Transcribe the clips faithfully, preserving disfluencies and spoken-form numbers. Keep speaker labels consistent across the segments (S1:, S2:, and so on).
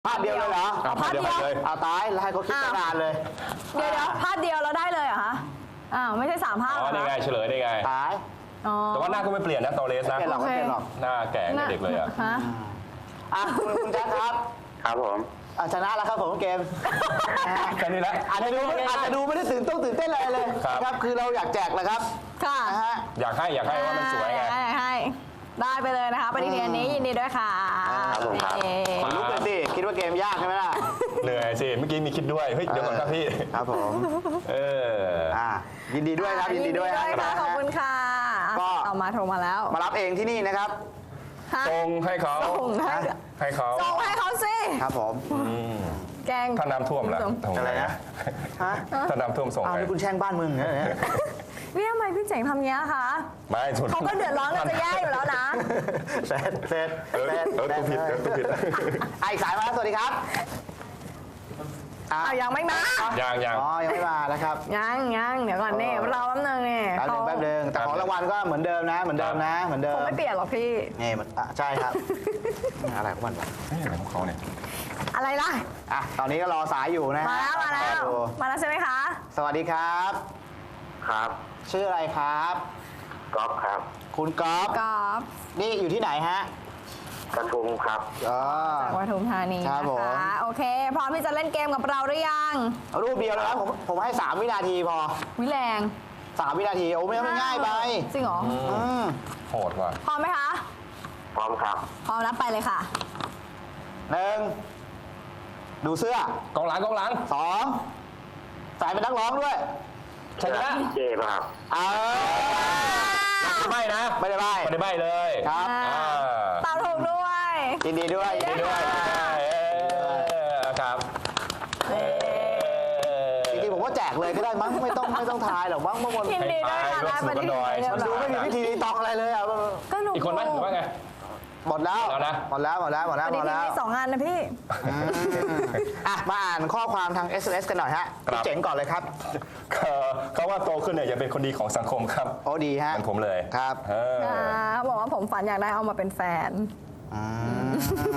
S1: ภาพเดียวเลยเหรอ
S2: เอาภาพเดียวเลย
S1: เอาตายแล้วให้เขาคิดตั้งนานเลย
S3: เดี๋ยวเดี๋ยวภาพเดียวเราได้เลยเหรอคะอ้าวไม่ใช่สามภาพ
S2: อ๋อนี่ไงเฉลยได้ไง
S1: ตาย
S3: อ๋อ
S2: แต่ว่าหน้าก็ไม่เปลี่ยนนะตอเลส
S1: ไม่
S2: นะ
S1: เปลี่ยนหรอกไม่เปลี่ยนหรอก
S2: หน้าแก่กับเด็กเลยอ่ะ
S3: ฮะ
S1: อ่ะคุณคุณแจ๊คครับ
S4: ครับผม
S1: อ่ะชนะแล้วครับผมเกม
S2: แค่นี้แหละ
S1: อาจจะดูอาจจะดูไม่ได้ตื่นต้องตื่นเต้นอะไรเลย
S2: ครับ
S1: นะครับคือเราอยากแจกแหละครับ
S3: ค่ะ
S1: นะฮะ
S2: อยากให้อยากให้ว่ามันสวยไง
S3: ให้ให้ได้ไปเลยนะคะปฏิทินนี้ยินดีด้วยค่ะ
S4: ครับผมครับ
S3: เอ่
S1: ขนลุกเลยสิคิดว่าเกมยากใช่ไหมล่ะ
S2: เหนื่อยสิเมื่อกี้มีคิดด้วยเฮ้ยเดี๋ยวก่อนครับพี่
S1: ครับผม
S2: เออ
S1: อ่ะยินดีด้วยครับยินดีด้วย
S3: ค่ะ
S1: นะ
S3: ขอบคุณค่ะ
S1: ก็
S3: เอามาโทรมาแล้ว
S1: มารับเองที่นี่นะครับ
S3: ฮะ
S2: ส่งให้เขา
S3: ส่งให้
S2: ให้เขา
S3: ส่งให้เขาสิ
S1: ครับผม
S2: อืม
S3: แกง
S2: ถ้าน้ำท่วมล่ะ
S3: ส่ง
S2: ทำง
S1: อะไรนะ ฮะ
S2: ถ้าน้ำท่วมส่ง
S1: อ้าว
S2: ไง
S1: นี่คุณแช่งบ้านมึงเหรอเนี่ย
S3: พี่ทำไมพี่เจ๋งทำเงี้ยคะ
S2: ไม่สุด
S3: เขาก็เดือดร้อนกันจะแย่อยู่แล้วนะ
S1: เสร็จเสร็จ
S2: เออ
S1: เสร็จ
S2: เออตัวผิดเออตัวผิด
S1: อ่ะอีกสายมาแล้วสวัสดีครับอ่ะ
S3: เอายังไม่มา
S2: ยังยัง
S1: อ๋อยังไม่มานะครับ
S3: ยังยังเดี๋ยวก่อนนี่รอแป๊บนึงนี่
S1: แป๊บนึงแป๊บนึงแต่ของรางวัลก็เหมือนเดิมนะ เหมือนเดิมนะ เหมือนเดิ
S3: ผม มไม่เปลี่ยนหรอกพี่
S1: นี่มันอ่ะใช่ครับ อะไรของมันวะ
S2: เฮ้ยอะไรของเขาเนี่ย
S3: อะไรล่ะ
S1: อ่ะตอนนี้ก็รอสายอยู่นะ
S3: มาแล้วมาแล้ว
S1: ดู
S3: มาแล้วใช่ไหมคะ
S1: สวัสดีครับ
S4: ครับ
S1: ชื่ออะไรครับ
S4: ก๊อฟครับ
S1: คุณก๊อฟ
S3: กอล์ฟ
S1: นี่อยู่ที่ไหนฮะ
S4: กระทุงครับ
S1: อ๋อ
S3: จากปทุมธานี
S1: ครั
S3: นะ
S1: บผม
S3: คะโอเคพร้อมที่จะเล่นเกมกับเราหรือยัง
S1: เอารูปเดียวเลยครับผมผมให้สามวินาทีพอ
S3: วิแรง
S1: สามวินาทีโอ้ไม่ไม่ง่ายไป
S3: จริงเหรอ
S1: อืม
S2: โหดว่ะ
S3: พร้อมไหมคะ
S4: พร้อมครับ
S3: พร้อมนับไปเลยค่ะ
S1: หนึ่งดูเสื้อก
S2: องหลังกองหลัง
S1: สองใส่เป็นนักร้องด้วย
S2: ใช่ไหม
S4: เจป่ะครับ
S1: เออ
S2: ไม่นะ
S1: ไม่ได้ใบ
S2: ไม่ได้ใบเลย
S1: ครับ
S3: อ่า
S2: อ่า
S3: ตอบถูกด้วย
S1: ยินดีด้วยยินดีด้วย
S2: เออครับเออ
S1: จริงๆผมว่าแจกเลยก็ได้มั้งไม่ต้องไม่ต้องทายหรอกมั้งเมื่อวัน
S3: ยินดีด้วยค่ะ
S2: ให้
S3: ได้
S2: ไป
S3: ปฏิทิน
S2: ร่วมสนุกกันหน่อย
S1: มันดูไม่มีวิธีตองอะไรเลยอ่ะ
S3: ก็หนู
S2: อีกคนไหมหรือว่าไง
S1: หมดแล้ว
S2: หมดแล้วนะ
S1: หมดแล้วหมดแล้วหมด
S3: ป
S1: แล้วห
S3: ฏิ
S1: มด
S3: ทิน
S1: แล้ว
S3: มีสองอันนะพี่
S1: อืมอ่ะมาอ่านข้อความทาง เอส เอ็ม เอส กันหน่อยฮะ
S2: ครับ
S1: พี่เจ๋งก่อนเลยครับ
S2: เขาเขาว่าโตขึ้นเนี่ยอย่าเป็นคนดีของสังคมครับ
S1: โอ้ดีฮะ
S2: เหมือนผมเลย
S1: ครับ
S2: เออ
S3: อ่าเขาบอกว่าผมฝันอยากได้เอามาเป็นแฟน
S1: อืม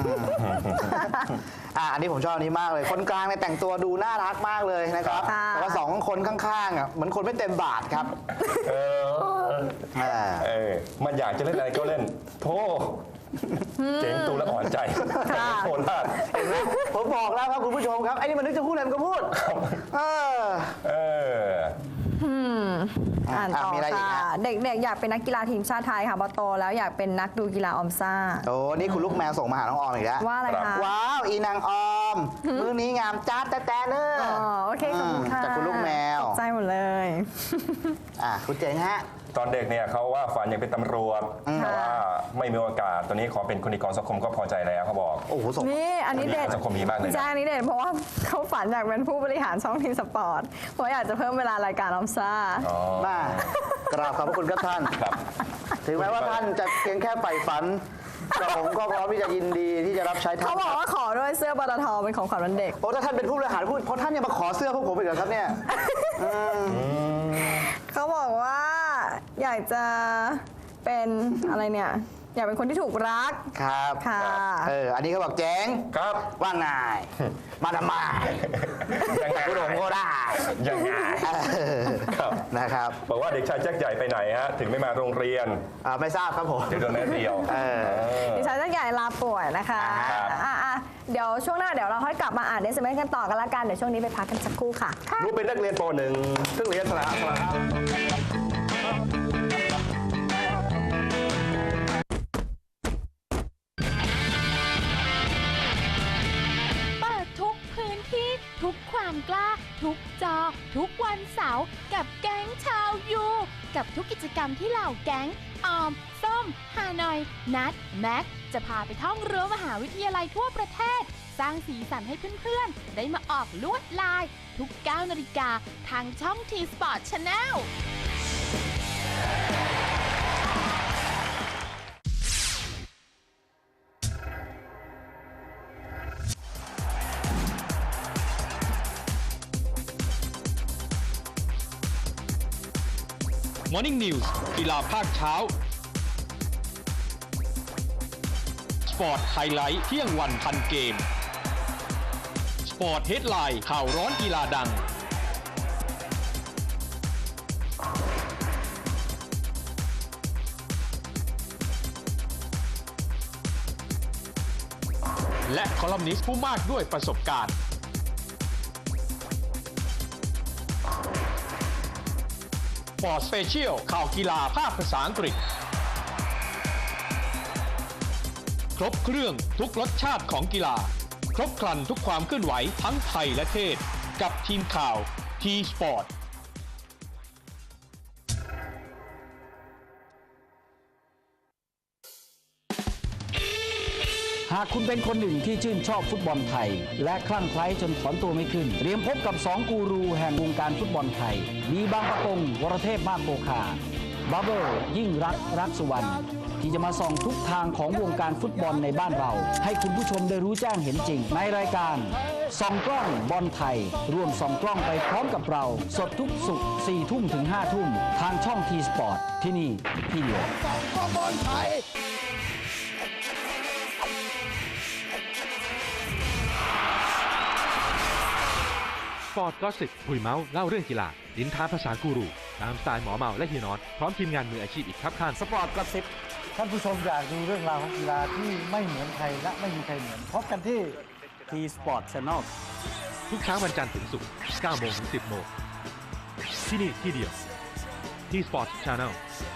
S1: อ่ะอันนี้ผมชอบอันนี้มากเลย คนกลางเนี่ยแต่งตัวดูน่ารักมากเลยนะครับ
S3: ค่ะ
S1: แต่ว่าสองคนข้างๆอ่ะเหมือนคนไม่เต็มบาทครับ
S2: เออ
S1: อ่า
S2: เออมันอยากจะเล่นอะไรก็เล่นโธ่เจ๋งตูแล้วอ่อนใจโคตรลาด
S1: เห็นไหมผมบอกแล้วครับคุณผู้ชมครับไอ้นี่มันนึกจะพูดอะไรมันก็พูดเออ
S2: เออ
S3: อ่านต่อ
S1: มีอะไรอีก
S3: ค่ะ
S1: ฮะ
S3: เด็กๆ อยากเป็นนักกีฬาทีมชาติไทยค่ะพอโตแล้วอยากเป็นนักดูกีฬาออมซ่า
S1: โอ้นี่คุณลูกแมวส่งมาหาน้องออมอีกแล้ว
S3: ว่าอะไร
S2: ครั
S3: คะ
S2: บ
S1: ว้าว อีนางออม มือนี้งามจ้าแต่แต่เนอะ
S3: อ๋อโอเคขอบคุณค่ะ
S1: จากคุณลูกแมว
S3: ตกใจหมดเลย
S1: อ่ะคุณเจ๋งฮะ
S2: ตอนเด็กเนี่ยเขาว่าฝันอยากเป็นตำรวจแต่ว่าไม่มีโอกาสตอนนี้ขอเป็นคนดีของสังคมก็พอใจแล้วเขาบอก
S1: โอ้โหส่ง
S3: นี่อันนี้เด็ด
S2: สังคมดีมากเลยนะ
S3: ใช่อันนี้เด็ดเพราะว่าเขาฝันอยากเป็นผู้บริหารช่องทีมสปอร์ตเพราะอยากจะเพิ่มเวลารายการออมซ่า
S2: อ๋อ
S1: มากราบขอบพระคุณครับท่าน
S2: ครับ
S1: ถึงแม้ว่าท่านจะเพียงแค่ใฝ่ฝันแต่ผมก็พร้อมที่จะยินดีที่จะรับใช้ท่าน
S3: เขาบอกว่าขอด้วยเสื้อปตทเป็นของขวัญวันเด็ก
S1: โอ้ถ้าท่านเป็นผู้บริหารพูดเพราะท่านยังมาขอเสื้อพวกผมอีกเหรอครับเนี่ยอืม
S3: เขาบอกว่าอยากจะเป็นอะไรเนี่ย อยากเป็นคนที่ถูกรัก
S1: ครับ
S3: ค่ะ
S1: เอออันนี้เขาบอกเจ๋ง
S2: ครับ
S1: ว่าไงมาทำไม
S2: ยังไง
S1: คุณผมก็ได้
S2: ยังไง
S1: เออ
S2: ครับ
S1: นะครับ
S2: บอกว่าเด็กชายแจ็คใหญ่ไปไหนฮะถึงไม่มาโรงเรียน
S1: อ่าไม่ทราบครับผม
S2: เดี๋ยวโดนแม่เดียว
S1: เออ
S3: ดิฉันจะใหญ่ลาป่วยนะคะ
S1: ครับ
S3: อ่ะอ่ะเดี๋ยวช่วงหน้าเดี๋ยวเราค่อยกลับมาอ่านเอสเอ็มเอสกันต่อกันละกัน เดี๋ยวช่วงนี้ไปพักกันสักครู่ค่ะ
S2: รู้เป็นนักเรียนป .หนึ่ง ซึ่งเรียนสละสละ
S5: เปิดทุกพื้นที่ทุกความกล้า ทุกจอ ทุกวันเสาร์กับแก๊งชาวยู กับทุกกิจกรรมที่เหล่าแก๊ง ออม ส้ม ฮานอย นัด แม็ก จะพาไปท่องรั้วมหาวิทยาลัยทั่วประเทศ สร้างสีสันให้เพื่อนๆ ได้มาออกลวดลาย ทุกเก้านาฬิกาทางช่อง ที สปอร์ต ชาแนล
S6: Morning News กีฬาภาคเช้า สปอร์ตไฮไลท์เที่ยงวันพันเกมสปอร์ตเฮดไลน์ข่าวร้อนกีฬาดัง และคอลัมนิสต์ผู้มากด้วยประสบการณ์สปอร์ตสเปเชียลข่าวกีฬาภาคภาษาอังกฤษ ครบเครื่องทุกรสชาติของกีฬา ครบครันทุกความเคลื่อนไหวทั้งไทยและเทศ กับทีมข่าว ที สปอร์ต
S7: หากคุณเป็นคนหนึ่งที่ชื่นชอบฟุตบอลไทย และคลั่งไคล้จนถอนตัวไม่ขึ้น เตรียมพบกับสองกูรูแห่งวงการฟุตบอลไทย มีบางประกงวรเทพมากโกคาบับเบิลยิ่งรักรักสุวรรณที่จะมาส่องทุกทางของวงการฟุตบอลในบ้านเรา ให้คุณผู้ชมได้รู้แจ้งเห็นจริง ในรายการส่องกล้องบอลไทย ร่วมส่องกล้องไปพร้อมกับเรา สดทุกศุกร์สี่ทุ่มถึงห้าทุ่มทางช่องทีสปอร์ตที่นี่ที่เดียว
S8: สปอร์ตก็สิบคุยเมาส์เล่าเรื่องกีฬาลิ้นท้าภาษากูรูตามสไตล์หมอเมาและเฮียนอตพร้อมทีมงานมืออาชีพอีกครับข้าง
S7: สปอร์ตกระซิบท่านผู้ชมอยากดูเรื่องราวของกีฬาที่ไม่เหมือนใครและไม่มีใครเหมือนพบกันที่ ที สปอร์ต Channel
S8: ทุกเช้าวันจันทร์ถึงศุกร์เก้าโมงถึงสิบโมงที่นี่ที่เดียวที่ Sport Channel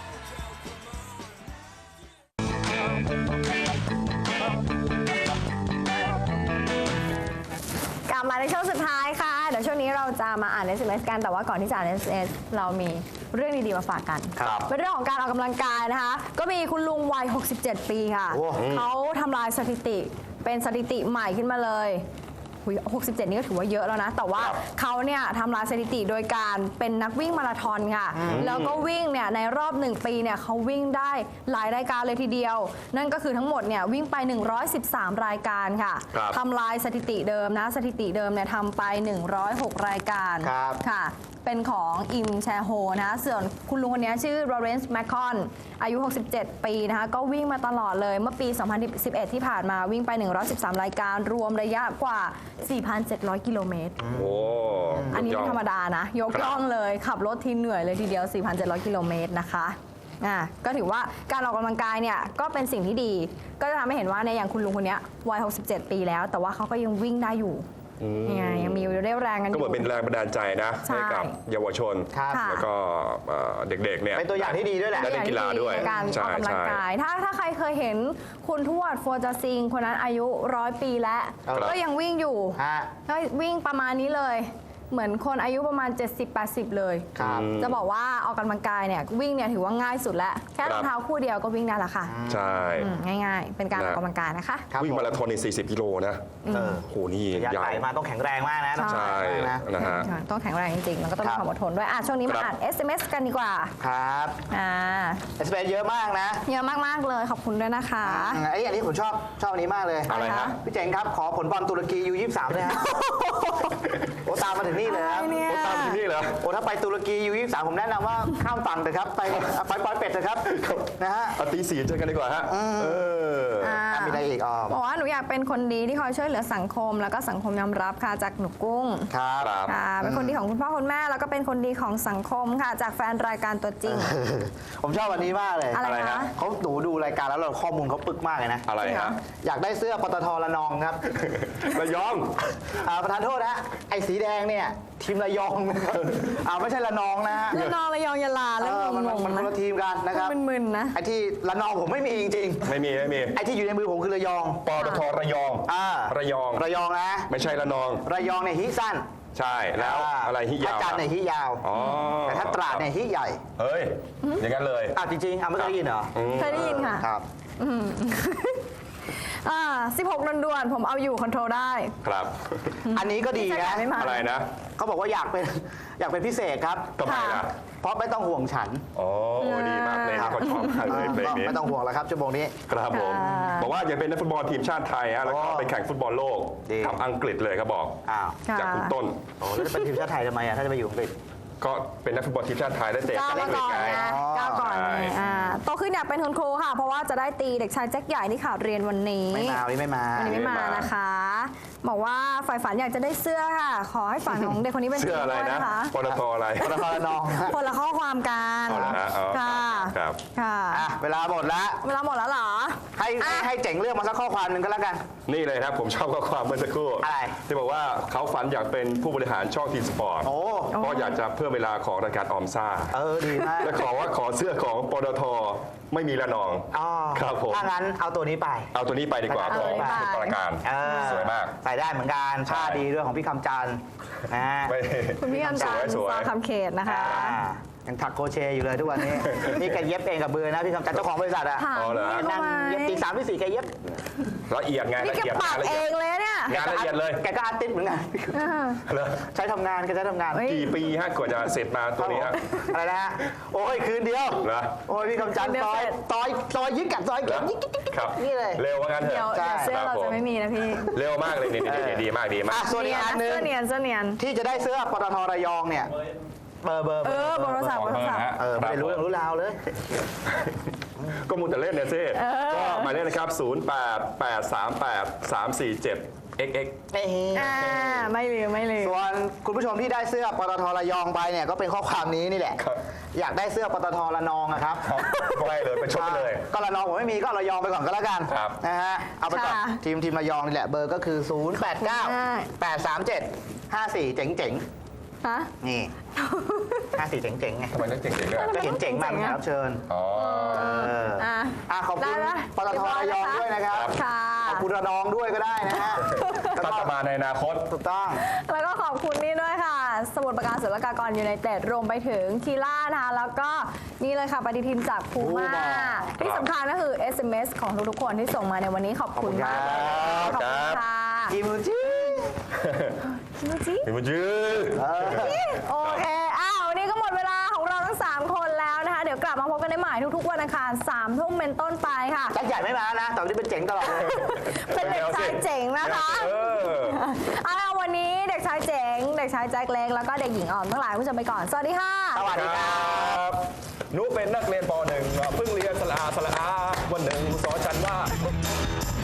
S3: กลับมาในช่วงสุดท้ายค่ะ เดี๋ยวช่วงนี้เราจะมาอ่าน เอส เอ็ม เอส กัน แต่ว่าก่อนที่จะอ่าน เอส เอ็ม เอส เรามีเรื่องดีๆมาฝากกัน
S1: ครับ
S3: เป็นเรื่องของการออกกำลังกายนะคะ ก็มีคุณลุงวัย หกสิบเจ็ด ปีค่ะ
S1: โอ้
S3: เขาทำลายสถิติ เป็นสถิติใหม่ขึ้นมาเลยหุยหกสิบเจ็ด นี่ก็ถือว่าเยอะแล้วนะ แต่ว่าเขาเนี่ยทำลายสถิติโดยการเป็นนักวิ่งมาราธอนค่ะ แล้วก็วิ่งเนี่ยในรอบหนึ่งปีเนี่ยเขาวิ่งได้หลายรายการเลยทีเดียว นั่นก็คือทั้งหมดเนี่ยวิ่งไป หนึ่งร้อยสิบสาม รายการค่ะ
S1: ครับ
S3: ทำลายสถิติเดิมนะ สถิติเดิมเนี่ยทำไป หนึ่งร้อยหก รายการ
S1: ครับ
S3: ค่ะ เป็นของอิมแชโฮนะส่วนคุณลุงคนนี้ชื่อโรเรนซ์แมคคอนอายุ หกสิบเจ็ด ปีนะคะ ก็วิ่งมาตลอดเลย เมื่อปี สองพันสิบเอ็ด ที่ผ่านมาวิ่งไป หนึ่งร้อยสิบสาม รายการ รวมระยะกว่า สี่พันเจ็ดร้อย กิโลเมตร
S2: โอ้
S3: อันนี้
S2: ย
S3: ไม่
S2: ด
S3: ธรรมดานะ ยกย่องเลย ขับรถทีเหนื่อยเลยทีเดียว สี่พันเจ็ดร้อย กิโลเมตรนะคะอ่ะก็ถือว่าการออกกำลังกายเนี่ยก็เป็นสิ่งที่ดี ก็จะทำให้เห็นว่าในยอย่างคุณลุงคนนี้วัย หกสิบเจ็ด ปีแล้ว แต่ว่าเขาก็ยังวิ่งได้อยู่เนี่ยยังมีเรี่ยวแรงกันอ
S2: ก็
S3: ยู่
S2: เหมือนเป็นแรงบันดาลใจนะ
S3: ใช่
S2: ให้กับเยาวชน
S1: ครับ
S3: ค่ะ
S2: แล้วก็เอ่อเด็กๆเนี่ย
S1: เป็นตัวอย่างที่ดีด้วยแหละ
S2: ได้เล่นกีฬาด้วย
S3: ในการอ
S2: ใช่
S3: อกกำลัง
S2: ใช่
S3: กาย ถ้าถ้าใครเคยเห็นคุณทวดฟัวจาซิง คนนั้นอายุร้อยปีแล้ว
S1: ครับ
S3: ก็ยังวิ่งอยู่
S1: ฮะ
S3: ก็วิ่งประมาณนี้เลย เหมือนคนอายุประมาณ เจ็ดสิบแปดสิบ เลย
S1: ครับ
S3: จะบอกว่าออกกำลังกายเนี่ยวิ่งเนี่ยถือว่าง่ายสุดแล้ว แค่รองเท้าคู่เดียวก็วิ่งได้และค่ะ
S2: ใช่
S3: อืมง่ายๆ เป็นการออกกำลังกายนะคะ
S1: ครับ
S2: วิ่ง
S1: ผม
S2: มาราธอนในสี่สิบกิโลนะ
S1: เออ
S2: โหนี่
S1: ระยะ
S2: ยา
S1: ไกล
S2: ว
S1: มาต้องแข็งแรงมากนะต้อง
S2: ใช่
S1: แข็งแรงนะ
S2: นะฮะ
S3: ต้องแข็งแรงจริงๆ แล้วก็ต้องมี
S1: ครับ
S3: ความอดทนด้วยอ่ะช่วงนี้มา
S2: ครับ
S3: อ่าน เอส เอ็ม เอส กันดีกว่า
S1: ครับ
S3: อ่า
S1: เอสเปนเยอะมากนะ
S3: เยอะมากๆเลยขอบคุณด้วยนะคะ
S1: ไอ้ยอันนี้ผมชอบชอบอันนี้มากเลย
S2: อะไรฮะ
S1: พี่เจ๋งครับ ขอผลบอลตุรกียูยี่สิบสามด้วยฮะ โอ้ตามมาถึงนี่เลยครับ
S3: อะไรเนี่ย
S2: โอ้ตามที่นี่เหรอ
S1: โอ้ถ้าไปตุรกียูยี่สิบสามผมแนะนำว่าข้ามฝั่งเถอะครับ ไปไปปอยเป็ดเถอะครับนะฮะ
S2: เอาตีสี่เจอกันดีกว่าฮะเออ
S3: อ่า
S1: อ่ะมีอะไรอีกอ๋อ
S3: บอกว่าหนูอยากเป็นคนดีที่คอยช่วยเหลือสังคม แล้วก็สังคมยอมรับค่ะจากหนูกุ้ง
S1: ครับ
S2: ครับ
S3: ค่ะเป็นคนดีของคุณพ่อคุณแม่แล้วก็เป็นคนดีของสังคมค่ะ จากแฟนรายการตัวจริง
S1: ผมชอบอันนี้มากเลย
S3: อะไร
S2: อะไร
S3: คะ
S2: ฮะ
S1: เขาหนูดูรายการแล้วเราข้อมูลเขาปึกมากเลยนะ
S2: อะไร
S3: จริงเหร
S2: ฮะ
S3: อ
S1: อยากได้เสื้อปตทระนองครับ
S2: ระยอง
S1: อ่าประธานโทษนะไอ้สีแดงเนี่ยทีมระยองนะครับอ่าไม่ใช่ระนองนะฮะ
S3: ระนองระยองยะลา
S1: เอ
S3: แล้ว
S1: อมัน
S3: ง
S1: มัน
S3: ง
S1: มัน
S3: ๆ
S1: คน
S3: นะ
S1: ละทีมกันนะครับ
S3: มึนๆนะ
S1: ไอ้ที่ระนองผมไม่มีจริง
S2: ไม่มีไม่มี
S1: ๆไอ้ที่อยู่ในมือผมคือระยอง
S2: ปตทระยอง
S1: อ่า
S2: ระยอง
S1: ระยองนะ
S2: ไม่ใช่ระนอง
S1: ระยองเนี่ยฮิสั้น
S2: ใช่แล้วอะไรฮิยาว
S1: ถ้าจันทร์เนี่ยฮิยาว
S2: อ๋อ
S1: แต่ถ้าตราดเนี่ยฮิใหญ่
S2: เฮ้ยอย่างนั้นเลย
S1: อ่ะจริงๆอ่ะไม่เคยได้ยินเหรอ
S3: เคยได้ยินค่ะ
S1: ครับ
S3: อ่าสิบหกด่วนๆผมเอาอยู่คอนโทรลได้
S2: ครับ
S1: อันนี้ก็ดี
S3: ไม่ใช่
S1: นะ
S3: ไม่มา
S2: อะไรนะ
S1: เขาบอกว่าอยากเป็นอยากเป็นพิเศษครับ
S2: ทำไมล่ะ
S1: เพราะไม่ต้องห่วงฉัน
S2: อ๋อดีมากเพลงนี้เขาชอบมากเลยเพลง
S1: ก็
S2: นี้
S1: ไม่ต้องห่วงแล้วครับชั่วโมงนี้
S2: ครับผม
S3: ค่ะ
S2: บอกว่าอยากเป็นนักฟุตบอลทีมชาติไทยฮะแล้วก็
S1: อ๋อ
S2: ไปแข่งฟุตบอลโลก
S1: ดี
S2: กับอังกฤษเลยครับบอก
S1: อ้าว
S3: ค่ะ
S2: จากคุณต้น
S1: โอ้แล้วจะเป็นทีมชาติไทยทำไมอ่ะถ้าจะไปอยู่อังกฤษ
S2: ก็เป็นนักฟุตบอลทีมชาติไทยได้เตะ
S3: ก้าว
S2: เล็
S3: มาก ก่อน
S2: ๆไง
S3: นะก้าวก่อน
S2: ใช่
S3: เลยอ่าโตขึ้นอยากเป็นคุณครูค่ะ เพราะว่าจะได้ตีเด็กชายแจ็คใหญ่ที่ข่าวเรียนวันนี้
S1: ไม่มาวันนี้ไม่มา
S3: วันนี้ไม่มา
S2: ไม่มา
S3: นะคะ บอกว่าฝ่ายฝันอยากจะได้เสื้อค่ะ ขอให้ฝันของเด็กคนนี้เป็นจ
S2: เสื้
S3: ริ
S2: อง อะไร
S3: ด้วย
S2: นะ
S3: นะคะ
S2: ปตทอะไร
S1: ปตทระนองฮะ
S3: คนละข้อความกัน
S2: เอาละฮะอ๋อ
S3: ค่ะ
S2: ครับ
S3: ค่ะ
S1: อ่ะเวลาหมดแล้ว
S3: เวลาหมดแล้วเหรอ
S1: ให้ให้ให้เจ๋งเลือกมาสักข้อความหนึ่งก็แล้วกัน
S2: นี่เลยครับผมชอบข้อความเมื่อสักครู่
S1: อะไร
S2: ที่บอกว่าเขาฝันอยากเป็นผู้บริหารช่องทีมสปอร์ต
S1: โอ้
S2: เพราะอยากจะเพิ่มเวลาของรายการออมซ่า
S1: เออดีมาก
S2: และขอว่าขอเสื้อของปตทไม่มีละนอง
S1: อ๋อ
S2: ครับผม
S1: ถ้างั้นเอาตัวนี้ไป
S2: เอาตัวนี้ไปดีกว่า
S1: เอา
S2: ข
S1: ตั
S2: อ
S1: ว
S2: ง
S1: นี้ไป
S2: สุดประการ
S1: เออ
S2: สวยมาก
S1: ใส่ได้เหมือนกันผ้า
S2: ใช่
S1: ดีด้วยของพี่คำจันทร์นะฮะ
S2: ไม่
S3: คุณพี่คำจันทร์
S2: สวยๆ
S3: ซอคำเขตนะคะ
S1: อ่ายังถักโครเชต์อยู่เลยทุกวันนี้ นี่แกเย็บเองกับมือนะพี่คำจันทร์เจ้าของบริษัทอะ
S3: ถาม
S2: อ๋อเหรอ
S3: พี่
S1: นั่
S3: เขา
S1: ง
S3: ไหม
S1: เย็บตีสามตีสี่แกเย็บ
S2: ละเอียดไง
S3: นี่
S2: ละ
S3: แก
S2: เอียด
S3: ปัก
S2: ละ
S3: เอ
S2: เอียด
S3: งเลยเนี่ย
S2: งานละเอียดเลย
S1: แกก็อาร์ติสต์เหมือนกัน
S3: อ่า
S2: เหรอ
S1: ใช้ทำงานแกใช้ทำงาน
S3: เฮ้ย
S2: กี่ปีฮะกว่าจะเสร็จมาตัวนี้ฮะ
S1: อะไรนะฮะโอ้ยคืนเดียว
S2: เหรอ
S1: โอ้ยพี่คำจันทร์
S3: คืนเดียว
S1: ซอย
S3: เสร็จ
S1: ซอยซอยยึดกับซอยเก็บ
S2: เหรอ
S1: ยิกยิกยิกยิก
S2: ครับ
S1: นี่เลย
S2: เร็วว่างั้นเถ
S3: เดี๋ยว
S2: อะ
S1: ใช่
S3: เดี๋ยวเสื้อเราจะไม่มีนะพี่
S2: เร็วมากเลยนี่ดีดีดีมากดีมาก
S1: อ่ะส่วนอีกอันหนึ่ง
S3: เสื้อเนียนเสื้อเนียน
S1: ที่จะได้เสื้อปตทระยองเนี่ยเบอร์เบอร์
S3: เออเบอร์โทรศัพท์
S2: ขอเบอร์นะฮะ
S1: เออไม่ได้รู้เรื่องรู้ราวเลย
S2: ก็มูแต่เล่นเนี่ยเซ่ก็หมายเลขนะครับ ศูนย์ แปด แปด สาม แปด สาม สี่ เจ็ด เอ็กซ์ เอ็กซ์
S1: เอ้ย
S3: อ่าไม่ลืมไม่ลืม
S1: ส่วนคุณผู้ชมที่ได้เสื้อปตทระยองไปเนี่ยก็เป็นข้อความนี้นี่แหละ
S2: ครับ
S1: อยากได้เสื้อปตทระนองอะครับ
S2: ครับไปเลยไปชมไปเลย
S1: ก็ระนองผมไม่มีก็เอาระยองไปก่อนก็แล้วกัน
S2: ครับ
S1: นะฮะเอาไปก่อน
S3: ค่ะ
S1: ทีมทีมระยองนี่แหละเบอร์ก็คือ ศูนย์ แปด เก้า แปด สาม เจ็ด ห้า สี่ เจ๋งเจ๋ง
S3: ฮะ
S1: ๆนี่ ห้า สี่ เจ๋งเจ๋งๆไง
S2: ทำไมต้องเจ๋งๆด้วย
S1: ก็เห็นเจ๋งมาก
S3: เจ๋ง
S1: แข
S3: อะ
S1: กรับเชิญ
S2: อ๋อ
S1: เออ
S3: อ่ะ
S1: อ่ะขอบคุณ
S3: ได้ไหม
S1: ปตทระยองด้วยนะครับ
S3: ค่ะ
S1: ขอบคุณระนองด้วยก็ได้นะฮะแล้ว
S2: ถ้า
S1: ก็
S2: จะมาในอนาคต
S1: ถูกต้อง
S3: แล้วก็ขอบคุณนี่ด้วยค่ะ สมุทรปราการศุลกากรยูไนเต็ดรวมไปถึงคีล่านะคะแล้วก็นี่เลยค่ะปฏิทินจากพูม่า
S1: Puma
S3: ที่สำคัญก็คือ เอส เอ็ม เอส ของทุกๆคนที่ส่งมาในวันนี้ขอบคุณมากเลยขอบคุณค่ะ
S1: กิมูจิ
S3: คิมจิ
S2: ถึงมันยืด
S1: เออ
S3: โอเค อ้าว วันนี้ก็หมดเวลาของเราทั้ง 3 คนแล้วนะคะ เดี๋ยวกลับมาพบกันได้ใหม่ทุกๆวันอังคารสามทุ่มเป็นต้นไปค่ะ
S1: แจ็คใหญ่ไม่มานะ แต่วันนี้เป็นเจ๋งตลอดเลย
S3: เป็นเด็กชายเจ๋งนะคะ
S2: เออ
S3: เอาล่ะวันนี้เด็กชายเจ๋ง เด็กชายแจ็คเล็ก แล้วก็เด็กหญิงอ่อนทั้งหลายผู้ชมไปก่อน สวัสดีค่ะ
S1: สวัสดีครับ
S2: บหนูเป็นนักเรียนป .หนึ่ง เพิ่งเรียนสละอาสละอาวันหนึ่งสอนฉันว่า